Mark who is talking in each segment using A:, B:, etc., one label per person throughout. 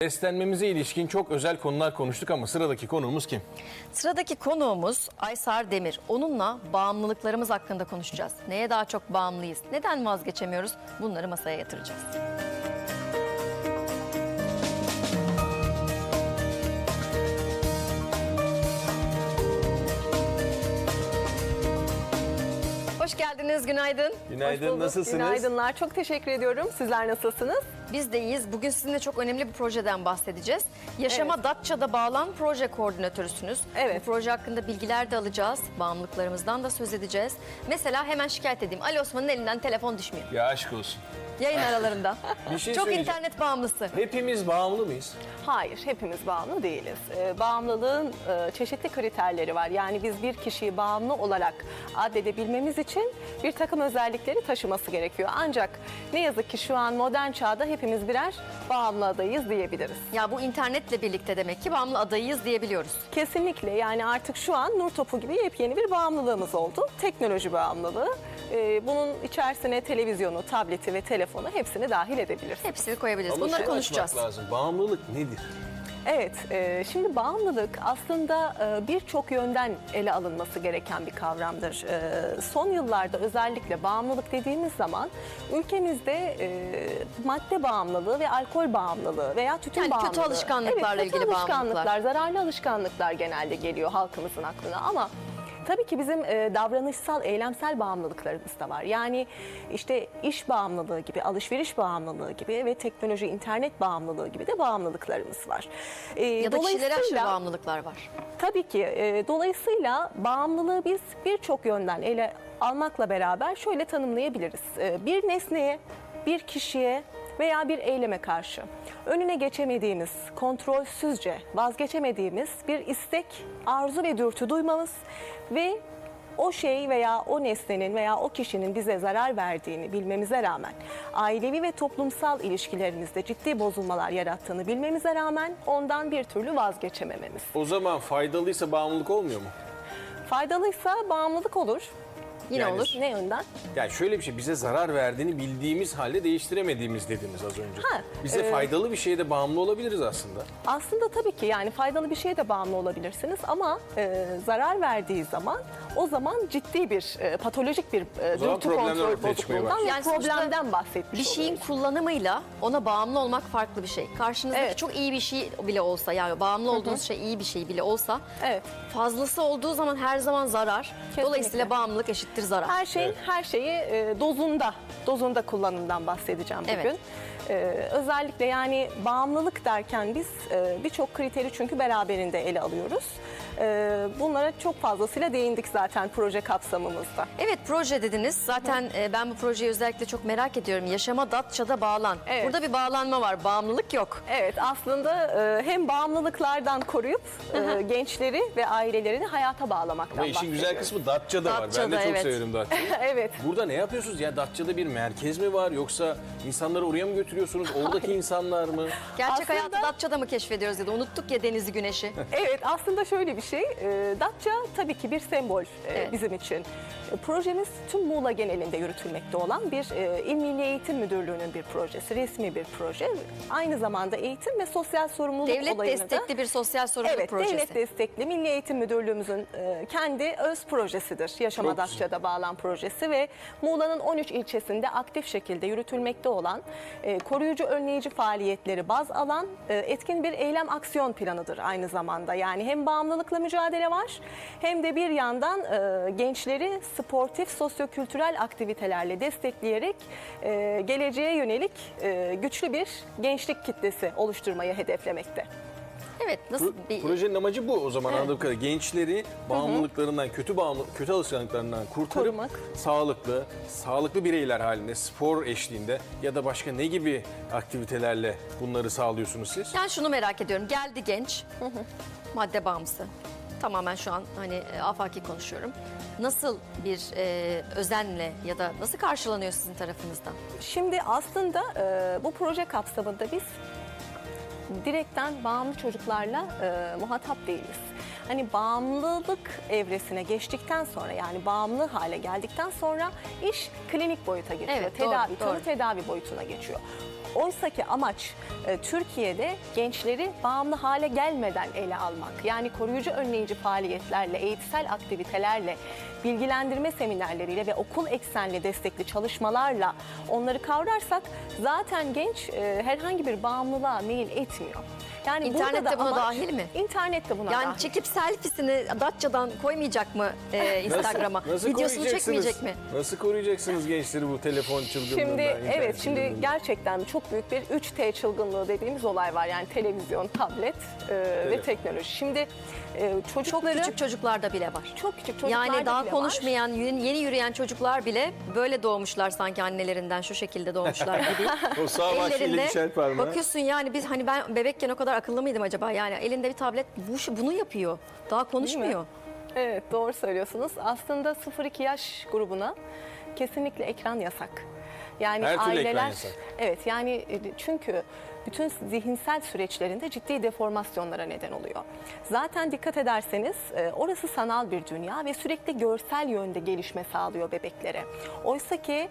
A: Beslenmemize ilişkin çok özel konular konuştuk ama sıradaki konuğumuz kim?
B: Sıradaki konuğumuz Aysar Demir. Onunla bağımlılıklarımız hakkında konuşacağız. Neye daha çok bağımlıyız? Neden vazgeçemiyoruz? Bunları masaya yatıracağız. Hoş geldiniz, günaydın.
A: Günaydın, nasılsınız?
C: Günaydınlar, çok teşekkür ediyorum. Sizler nasılsınız?
B: Biz de iyiyiz. Bugün sizinle çok önemli bir projeden bahsedeceğiz. Yaşama Datça'da bağlan proje koordinatörüsünüz.
C: Evet.
B: Bu proje hakkında bilgiler de alacağız. Bağımlılıklarımızdan da söz edeceğiz. Mesela hemen şikayet edeyim. Ali Osman'ın elinden telefon düşmüyor.
A: Ya aşk olsun.
B: Yayın aralarında.
A: Bir şey
B: Çok
A: söyleyeceğim.
B: internet bağımlısı.
A: Hepimiz bağımlı mıyız?
C: Hayır, hepimiz bağımlı değiliz. Bağımlılığın çeşitli kriterleri var. Yani biz bir kişiyi bağımlı olarak addedebilmemiz için bir takım özellikleri taşıması gerekiyor. Ancak ne yazık ki şu an modern çağda hepimiz birer bağımlı adayız diyebiliriz.
B: Ya bu internetle birlikte demek ki bağımlı adayıyız diyebiliyoruz.
C: Kesinlikle, yani artık şu an nur topu gibi yepyeni bir bağımlılığımız oldu. Teknoloji bağımlılığı. Bunun içerisine televizyonu, tableti ve telefonu hepsini dahil edebiliriz.
B: Hepsini koyabiliriz.
A: Ama
B: Bunları
A: şunu
B: konuşacağız.
A: açmak lazım. Bağımlılık nedir?
C: Evet, şimdi bağımlılık aslında birçok yönden ele alınması gereken bir kavramdır. Son yıllarda özellikle bağımlılık dediğimiz zaman ülkemizde madde bağımlılığı ve alkol bağımlılığı veya tütün
B: Yani kötü
C: bağımlılığı.
B: alışkanlıklarla
C: Evet, kötü
B: ilgili
C: alışkanlıklar, zararlı alışkanlıklar genelde geliyor halkımızın aklına ama tabii ki bizim davranışsal, eylemsel bağımlılıklarımız da var. Yani işte iş bağımlılığı gibi, alışveriş bağımlılığı gibi ve teknoloji, internet bağımlılığı gibi de bağımlılıklarımız var.
B: Ya da kişilere aşırı
C: Dolayısıyla-
B: bağımlılıklar var.
C: Tabii ki. Dolayısıyla bağımlılığı biz birçok yönden ele almakla beraber şöyle tanımlayabiliriz. Bir nesneye, bir kişiye veya bir eyleme karşı önüne geçemediğimiz, kontrolsüzce vazgeçemediğimiz bir istek, arzu ve dürtü duymamız ve o şey veya o nesnenin veya o kişinin bize zarar verdiğini bilmemize rağmen, ailevi ve toplumsal ilişkilerimizde ciddi bozulmalar yarattığını bilmemize rağmen ondan bir türlü vazgeçemememiz.
A: O zaman faydalıysa bağımlılık olmuyor mu?
C: Faydalıysa bağımlılık olur.
B: Yine
A: Yani-
B: olur.
C: Ne yönden?
A: Yani şöyle bir şey, bize zarar verdiğini bildiğimiz halde değiştiremediğimiz dediniz az önce.
C: Ha,
A: Bize faydalı bir şeye de bağımlı olabiliriz aslında.
C: Aslında tabii ki yani faydalı bir şeye de bağımlı olabilirsiniz ama zarar verdiği zaman o zaman ciddi bir patolojik bir
A: zaman
C: dürtü
A: problemler
C: kontrol
A: ortaya çıkmaya
C: bozukluğundan
A: başlıyor.
C: ve
B: Yani sonuçta
C: problemden bahsetmiş
B: Bir şeyin
C: oluyoruz.
B: kullanımıyla ona bağımlı olmak farklı bir şey. Karşınızdaki
C: Evet.
B: çok iyi bir şey bile olsa, yani bağımlı olduğunuz şey iyi bir şey bile olsa,
C: Evet.
B: fazlası olduğu zaman her zaman zarar.
C: Kesinlikle.
B: Dolayısıyla bağımlılık eşittir zarar.
C: Her şeyi dozunda kullanımdan bahsedeceğim bugün.
B: Evet.
C: Özellikle yani bağımlılık derken biz birçok kriteri çünkü beraberinde ele alıyoruz. Bunlara çok fazlasıyla değindik zaten proje kapsamımızda.
B: Evet, proje dediniz. Zaten ben bu projeyi özellikle çok merak ediyorum. Yaşama Datça'da bağlan.
C: Evet.
B: Burada bir bağlanma var. Bağımlılık yok.
C: Evet, aslında hem bağımlılıklardan koruyup gençleri ve ailelerini hayata bağlamaktan
A: Ama işin güzel
C: bahsediyoruz.
A: kısmı Datça'da var. Ben de
B: Datça'da,
A: çok
B: evet.
A: severim Datça'yı.
C: Evet.
A: Burada ne yapıyorsunuz? Ya Datça'da bir merkez mi var yoksa insanları oraya mı götürüyorsunuz? Oradaki insanlar mı?
B: Gerçek
C: Aslında-
B: hayatı Datça'da mı keşfediyoruz ya da unuttuk ya denizi, güneşi.
C: Evet, aslında şöyle bir şey. Datça tabii ki bir sembol
B: Evet.
C: bizim için. Projemiz tüm Muğla genelinde yürütülmekte olan bir İl Milli Eğitim Müdürlüğü'nün bir projesi, resmi bir proje. Aynı zamanda eğitim ve sosyal sorumluluk
B: Devlet
C: olayını da...
B: destekli bir sosyal sorumluluk
C: Evet,
B: projesi.
C: devlet destekli Milli Eğitim Müdürlüğümüzün kendi öz projesidir. Yaşama
A: Çok güzel.
C: Datça'da bağlan projesi ve Muğla'nın 13 ilçesinde aktif şekilde yürütülmekte olan koruyucu önleyici faaliyetleri baz alan etkin bir eylem aksiyon planıdır aynı zamanda. Yani hem bağımlılıkla mücadele var hem de bir yandan gençleri sportif, sosyokültürel aktivitelerle destekleyerek geleceğe yönelik güçlü bir gençlik kitlesi oluşturmayı hedeflemekte.
B: Evet, nasıl bir...
A: Projenin amacı bu o zaman anladığım kadarıyla. Gençleri bağımlılıklarından, kötü alışkanlıklarından kurtarıp
C: Korumak.
A: sağlıklı bireyler halinde, spor eşliğinde ya da başka ne gibi aktivitelerle bunları sağlıyorsunuz siz?
B: Yani şunu merak ediyorum. Geldi genç, madde bağımlısı. Tamamen şu an hani afaki konuşuyorum. Nasıl bir özenle ya da nasıl karşılanıyor sizin tarafınızdan?
C: Şimdi aslında bu proje kapsamında biz direkten bağımlı çocuklarla muhatap değiliz. Hani bağımlılık evresine geçtikten sonra yani bağımlı hale geldikten sonra iş klinik boyuta geçiyor.
B: Evet,
C: Tedavi,
B: doğru.
C: tanı tedavi boyutuna geçiyor. Oysaki amaç Türkiye'de gençleri bağımlı hale gelmeden ele almak. Yani koruyucu önleyici faaliyetlerle, eğitsel aktivitelerle, bilgilendirme seminerleriyle ve okul eksenli destekli çalışmalarla onları kavrarsak zaten genç herhangi bir bağımlılığa meyil etmiyor. Yani
B: İnternette
C: burada da
B: buna dahil mi?
C: İnternette buna
B: Yani
C: dahil.
B: çekip selfiesini Datça'dan koymayacak mı Instagram'a?
A: Nasıl
B: Videosunu
A: koruyacaksınız?
B: çekmeyecek mi?
A: Nasıl koruyacaksınız gençleri bu telefon çılgınlığından?
C: Şimdi
A: internet
C: evet şimdi
A: çılgınlığından?
C: gerçekten çok büyük bir 3T çılgınlığı dediğimiz olay var. Yani televizyon, tablet ve teknoloji. Şimdi çocukları
B: Küçük çocuklarda bile var.
C: çok küçük çocuklarda
B: Yani daha
C: bile
B: konuşmayan, yeni yürüyen çocuklar bile böyle doğmuşlar sanki annelerinden şu şekilde doğmuşlar gibi.
A: O sağ başıyla düşer parmağı.
B: bakıyorsun yani biz hani ben bebekken o kadar akıllı mıydım acaba? Yani elinde bir tablet bunu yapıyor. Daha konuşmuyor.
C: Evet doğru söylüyorsunuz. Aslında 0-2 yaş grubuna kesinlikle ekran yasak. Yani
A: Her türlü
C: aileler
A: ekran yasak.
C: evet yani çünkü bütün zihinsel süreçlerinde ciddi deformasyonlara neden oluyor. Zaten dikkat ederseniz orası sanal bir dünya ve sürekli görsel yönde gelişme sağlıyor bebeklere. Oysa ki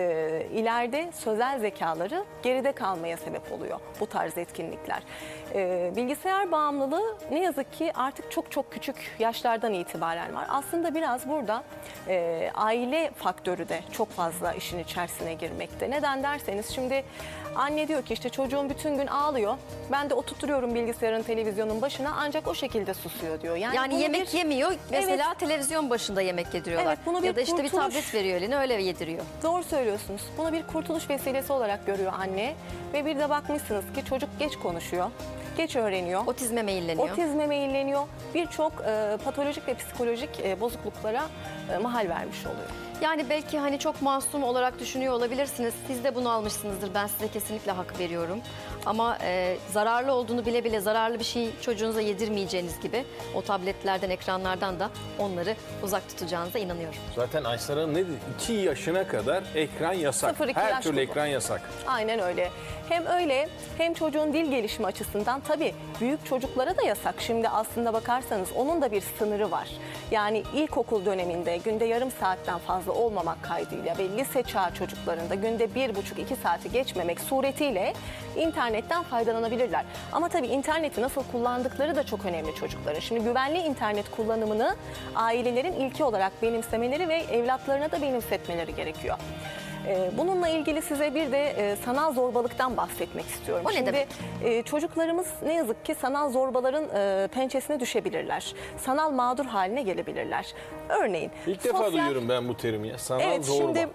C: ileride sözel zekaları geride kalmaya sebep oluyor bu tarz etkinlikler. Bilgisayar bağımlılığı ne yazık ki artık çok küçük yaşlardan itibaren var. Aslında biraz burada aile faktörü de çok fazla işin içerisine girmekte. Neden derseniz şimdi anne diyor ki işte çocuğum bütün gün ağlıyor. Ben de oturtuyorum bilgisayarın, televizyonun başına ancak o şekilde susuyor diyor.
B: Yani
C: bunu
B: yemek yemiyor. Mesela televizyon başında yemek yediriyorlar.
C: Evet, bunu bir
B: ya da işte bir
C: kurtuluş-
B: tablet veriyor eline öyle yediriyor.
C: Doğru söylüyorsunuz. Bunu bir kurtuluş vesilesi olarak görüyor anne. Ve bir de bakmışsınız ki çocuk geç konuşuyor, geç öğreniyor.
B: Otizme meyilleniyor.
C: Otizme meyilleniyor. Birçok patolojik ve psikolojik bozukluklara mahal vermiş oluyor.
B: Yani belki hani çok masum olarak düşünüyor olabilirsiniz. Siz de bunu almışsınızdır. Ben size kesinlikle hak veriyorum. Ama zararlı olduğunu bile bile zararlı bir şey çocuğunuza yedirmeyeceğiniz gibi o tabletlerden, ekranlardan da onları uzak tutacağınıza inanıyorum.
A: Zaten Aysel Hanım ne dedi? 2 yaşına kadar ekran yasak.
C: 0-2
A: Her
C: yaş
A: türlü
C: grubu.
A: ekran yasak.
C: Aynen öyle. Hem öyle hem çocuğun dil gelişimi açısından tabii büyük çocuklara da yasak. Şimdi aslında bakarsanız onun da bir sınırı var. Yani ilkokul döneminde günde yarım saatten fazla olmamak kaydıyla ve lise çağı çocuklarında günde 1,5-2 saati geçmemek suretiyle internetten faydalanabilirler. Ama tabii interneti nasıl kullandıkları da çok önemli çocukların. Şimdi güvenli internet kullanımını ailelerin ilki olarak benimsemeleri ve evlatlarına da benimsetmeleri gerekiyor. Bununla ilgili size bir de sanal zorbalıktan bahsetmek istiyorum.
B: O ne
C: Şimdi
B: demek?
C: çocuklarımız ne yazık ki sanal zorbaların pençesine düşebilirler. Sanal mağdur haline gelebilirler. Örneğin
A: İlk defa duyuyorum ben bu terimi ya. Sanal
C: Evet
A: zorba.
C: şimdi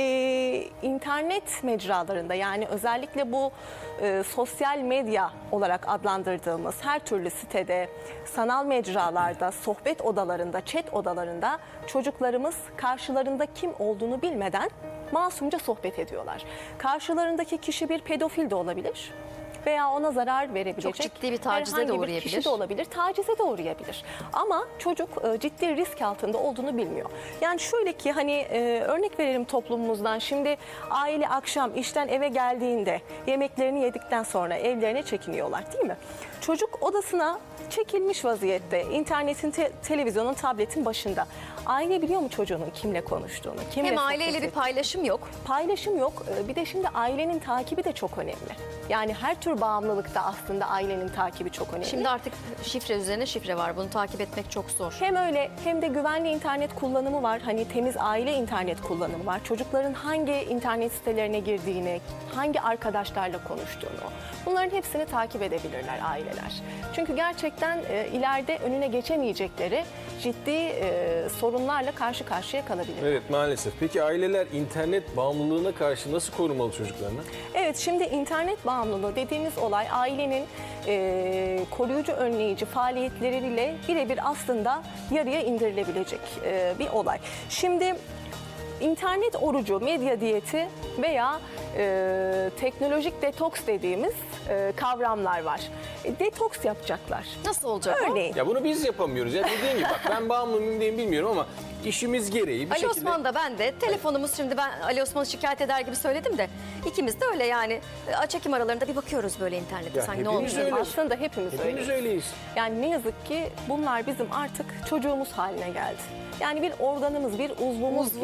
C: internet mecralarında yani özellikle bu sosyal medya olarak adlandırdığımız her türlü sitede, sanal mecralarda, sohbet odalarında, chat odalarında çocuklarımız karşılarında kim olduğunu bilmeden masumca sohbet ediyorlar. Karşılarındaki kişi bir pedofil de olabilir. Veya ona zarar verebilecek
B: Çok ciddi bir tacize de
C: herhangi bir
B: uğrayabilir.
C: kişi de olabilir, tacize de uğrayabilir. Ama çocuk ciddi risk altında olduğunu bilmiyor. Yani şöyle ki hani örnek verelim toplumumuzdan. Şimdi aile akşam işten eve geldiğinde yemeklerini yedikten sonra evlerine çekiniyorlar değil mi? Çocuk odasına çekilmiş vaziyette internetin, televizyonun, tabletin başında. Aile biliyor mu çocuğunun kimle konuştuğunu? Kimle
B: Hem
C: sohbet
B: aileyle bir
C: ettiğini?
B: paylaşım yok.
C: Paylaşım yok. Bir de şimdi ailenin takibi de çok önemli. Yani her tür bağımlılıkta aslında ailenin takibi çok önemli.
B: Şimdi artık şifre üzerine şifre var. Bunu takip etmek çok zor.
C: Hem öyle hem de güvenli internet kullanımı var. Hani temiz aile internet kullanımı var. Çocukların hangi internet sitelerine girdiğini, hangi arkadaşlarla konuştuğunu bunların hepsini takip edebilirler aileler. Çünkü gerçekten ileride önüne geçemeyecekleri ciddi sorunlarla karşı karşıya kalabilirler.
A: Evet maalesef. Peki aileler internet bağımlılığına karşı nasıl korumalı çocuklarını?
C: Evet şimdi internet bağımlılığı dediğimiz olay ailenin koruyucu önleyici faaliyetleriyle birebir aslında yarıya indirilebilecek bir olay. Şimdi internet orucu, medya diyeti veya teknolojik detoks dediğimiz kavramlar var. Detoks yapacaklar.
B: Nasıl olacak o?
C: Örneğin.
A: Ya bunu biz yapamıyoruz. Ya dediğin gibi bak ben bağımlı mıyım değil bilmiyorum ama işimiz gereği bir
B: Ali
A: şekilde...
B: Osman da ben de telefonumuz şimdi ben Ali Osman'ı şikayet eder gibi söyledim de ikimiz de öyle yani çekim aralarında bir bakıyoruz böyle internete
A: Ya
B: sanki ne
A: hepimiz
B: olmuş.
A: öyle.
C: Aslında hepimiz
A: Hepimiz
C: öyleyiz.
A: öyleyiz.
C: Yani ne yazık ki bunlar bizim artık çocuğumuz haline geldi. Yani bir organımız, bir uzvumuz,
B: Uzvumuz.
C: gibi.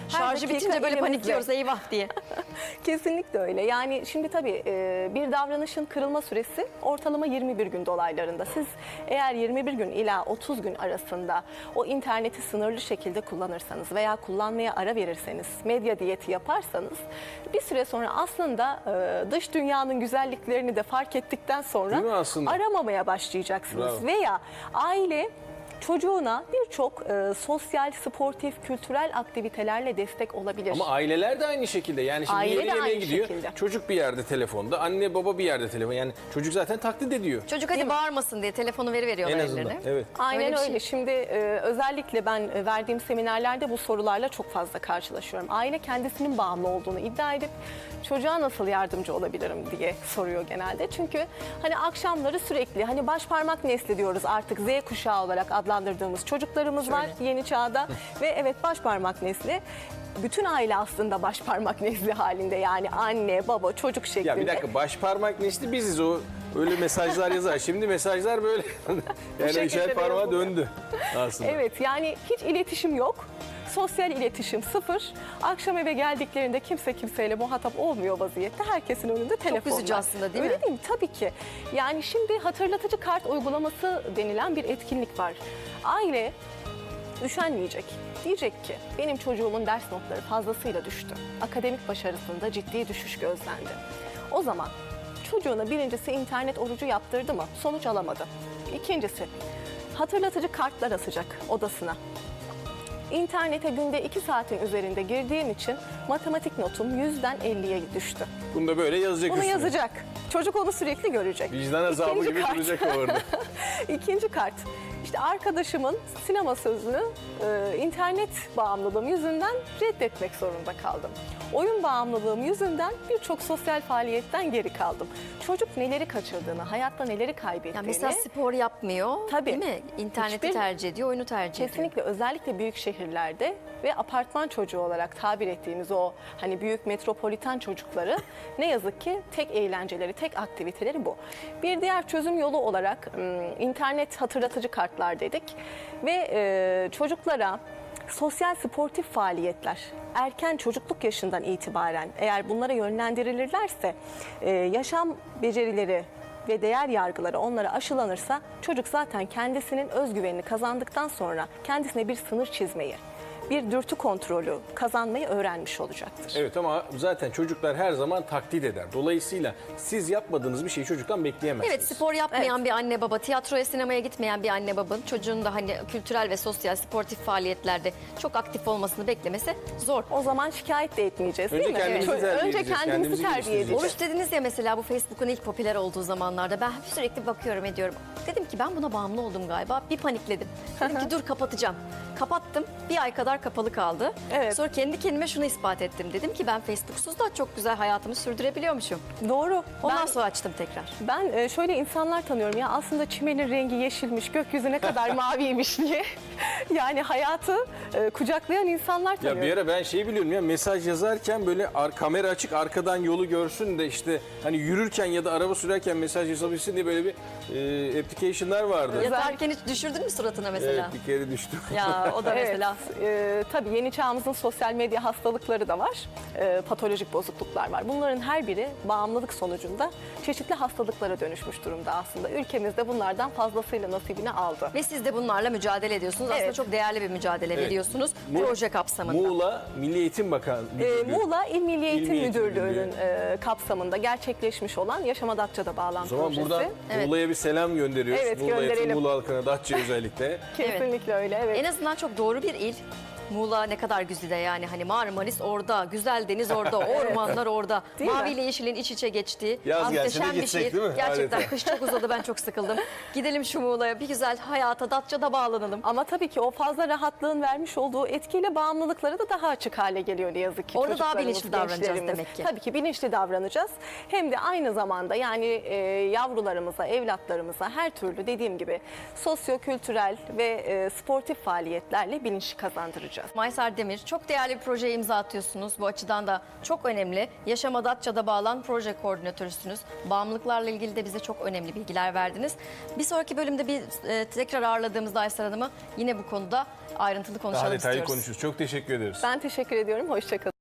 B: Şarjı
C: dakika
B: bitince böyle
C: elimizde.
B: panikliyoruz eyvah diye.
C: Kesinlikle öyle. Yani şimdi tabii bir davranışın kırılma süresi ortalama 21 gün dolaylarında. Siz eğer 21 gün ila 30 gün arasında o interneti sınırlı şekilde kullanırsanız veya kullanmaya ara verirseniz, medya diyeti yaparsanız bir süre sonra aslında dış dünyanın güzelliklerini de fark ettikten sonra
A: Değil mi aslında?
C: aramamaya başlayacaksınız.
A: Bravo.
C: Veya aile çocuğuna birçok sosyal, sportif, kültürel aktivitelerle destek olabilir.
A: Ama aileler de aynı şekilde. Yani şimdi
C: Aile
A: yeri
C: de
A: yemeğe
C: aynı
A: gidiyor.
C: şekilde.
A: Çocuk bir yerde telefonda, anne baba bir yerde telefon. Yani çocuk zaten taklit ediyor.
B: Çocuk hadi bağırmasın diye telefonu veriyorlar
A: En azından.
B: ellerine.
A: Evet.
C: Aynen
B: Öyle bir
C: öyle.
B: şey.
C: Şimdi özellikle ben verdiğim seminerlerde bu sorularla çok fazla karşılaşıyorum. Aile kendisinin bağımlı olduğunu iddia edip çocuğa nasıl yardımcı olabilirim diye soruyor genelde. Çünkü hani akşamları sürekli hani baş parmak nesli diyoruz artık Z kuşağı olarak adlandırdığımız çocuklarımız var yeni çağda ve evet baş parmak nesli. Bütün aile aslında baş parmak nesli halinde yani anne, baba, çocuk şeklinde.
A: Ya bir dakika, baş parmak nesli biziz, o öyle mesajlar yazar. Şimdi mesajlar böyle yani
C: şekilde
A: üçer
C: de
A: parmağa
C: yazılıyor.
A: döndü aslında.
C: Evet yani hiç iletişim yok. Sosyal iletişim sıfır. Akşam eve geldiklerinde kimse kimseyle muhatap olmuyor vaziyette. Herkesin önünde telefon
B: üzücü
C: var.
B: aslında, değil
C: Öyle
B: mi?
C: değil mi? Tabii ki. Yani şimdi hatırlatıcı kart uygulaması denilen bir etkinlik var. Aile üşenmeyecek. Diyecek ki benim çocuğumun ders notları fazlasıyla düştü. Akademik başarısında ciddi düşüş gözlendi. O zaman çocuğuna birincisi internet orucu yaptırdı mı? Sonuç alamadı. İkincisi hatırlatıcı kartlar asacak odasına. İnternete günde 2 saatin üzerinde girdiğim için matematik notum 100'den 50'ye düştü.
A: Bunu da böyle yazacak
C: Bunu
A: üstüne.
C: yazacak. Çocuk onu sürekli görecek.
A: Vicdan azabı
C: İkinci
A: gibi
C: kart.
A: duracak o orada.
C: İkinci kart. İşte arkadaşımın sinema sözünü internet bağımlılığım yüzünden reddetmek zorunda kaldım. Oyun bağımlılığım yüzünden birçok sosyal faaliyetten geri kaldım. Çocuk neleri kaçırdığını, hayatta neleri kaybettiğini...
B: Yani mesela spor yapmıyor,
C: Tabii.
B: değil mi? İnterneti
C: Hiçbir-
B: tercih ediyor, oyunu tercih ediyor.
C: Kesinlikle özellikle büyük şehirlerde ve apartman çocuğu olarak tabir ettiğimiz o hani büyük metropoliten çocukları ne yazık ki tek eğlenceleri, tek aktiviteleri bu. Bir diğer çözüm yolu olarak internet hatırlatıcı kartlar dedik ve çocuklara sosyal sportif faaliyetler erken çocukluk yaşından itibaren eğer bunlara yönlendirilirlerse yaşam becerileri ve değer yargıları onlara aşılanırsa çocuk zaten kendisinin özgüvenini kazandıktan sonra kendisine bir sınır çizmeyi, bir dürtü kontrolü kazanmayı öğrenmiş olacaktır.
A: Evet ama zaten çocuklar her zaman taklit eder. Dolayısıyla siz yapmadığınız bir şeyi çocuktan bekleyemezsiniz.
B: Evet, spor yapmayan bir anne baba, tiyatroya sinemaya gitmeyen bir anne babanın çocuğun da hani kültürel ve sosyal sportif faaliyetlerde çok aktif olmasını beklemesi zor.
C: O zaman şikayet de etmeyeceğiz
A: Önce
C: değil mi?
A: kendimizi terbiye
C: Önce
A: edeceğiz,
C: kendimizi
A: kendimizi
C: terbiye
A: geliştireceğiz.
C: edeceğiz.
B: Oruç dediniz ya mesela, bu Facebook'un ilk popüler olduğu zamanlarda ben sürekli bakıyorum ediyorum. Dedim ki ben buna bağımlı oldum galiba. Bir panikledim. Dedim ki dur kapatacağım. Kapattım. Bir ay kadar kapalı kaldı.
C: Evet.
B: Sonra kendi kendime şunu ispat ettim. Dedim ki ben Facebook'suz da çok güzel hayatımı sürdürebiliyormuşum.
C: Doğru.
B: Ondan sonra açtım tekrar.
C: Ben şöyle insanlar tanıyorum ya aslında çimenin rengi yeşilmiş, gökyüzü ne kadar maviymiş diye. Yani hayatı kucaklayan insanlar
A: Ya
C: tanıyorum.
A: bir ara ben şeyi biliyorum ya, mesaj yazarken böyle kamera açık arkadan yolu görsün de işte hani yürürken ya da araba sürerken mesaj yazabilsin diye böyle bir application'lar vardı.
B: Yatarken hiç düşürdün mü suratına mesela?
A: Evet, bir kere düştüm.
B: Ya o da
C: Evet,
B: mesela.
C: tabii yeni çağımızın sosyal medya hastalıkları da var. Patolojik bozukluklar var. Bunların her biri bağımlılık sonucunda çeşitli hastalıklara dönüşmüş durumda aslında. Ülkemizde bunlardan fazlasıyla nasibini aldı.
B: Ve siz de bunlarla mücadele ediyorsunuz. Aslında
C: Evet.
B: çok değerli bir mücadele
A: Evet.
B: veriyorsunuz
A: Mu-
B: proje kapsamında.
A: Muğla Milli Eğitim Bakanlığı.
C: Muğla İl Milli Eğitim
A: Milli Eğitim
C: Müdürlüğü'nün kapsamında gerçekleşmiş olan Yaşama Datça'da
A: O
C: bağlam
A: zaman
C: projesi.
A: buradan
B: Evet.
A: Muğla'ya bir selam gönderiyoruz.
C: Evet,
A: Muğla'ya,
C: gönderelim.
A: Muğla halkına, Datça özellikle.
C: Kesinlikle öyle, evet.
B: En azından çok doğru bir il. Muğla ne kadar güzide yani, hani Marmaris orada, güzel deniz orada, ormanlar orada.
C: Değil mi?
B: Mavi ile yeşilin iç içe geçtiği
A: Yaz gelse de
B: muhteşem bir
A: gitsek
B: şehir.
A: değil mi?
B: Gerçekten
A: Adeta.
B: kış çok uzadı, ben çok sıkıldım. Gidelim şu Muğla'ya, bir güzel hayata Datça'da bağlanalım.
C: Ama tabii ki o fazla rahatlığın vermiş olduğu etkiyle bağımlılıkları da daha açık hale geliyor ne yazık ki.
B: Orada daha
C: çocuklarımız,
B: bilinçli davranacağız
C: gençlerimiz.
B: demek ki.
C: Tabii ki bilinçli davranacağız. Hem de aynı zamanda yani yavrularımıza, evlatlarımıza her türlü dediğim gibi sosyo-kültürel ve sportif faaliyetlerle bilinç kazandıracağız. çalışacağız.
B: Maysar Demir, çok değerli bir projeye imza atıyorsunuz. Bu açıdan da çok önemli. Yaşama Datça'da bağlan proje koordinatörüsünüz. Bağımlılıklarla ilgili de bize çok önemli bilgiler verdiniz. Bir sonraki bölümde tekrar ağırladığımızda Aysel Hanım'ı yine bu konuda ayrıntılı konuşalım
A: Daha detaylı
B: istiyoruz.
A: konuşuruz. Çok teşekkür ederiz.
C: Ben teşekkür ediyorum. Hoşça kalın.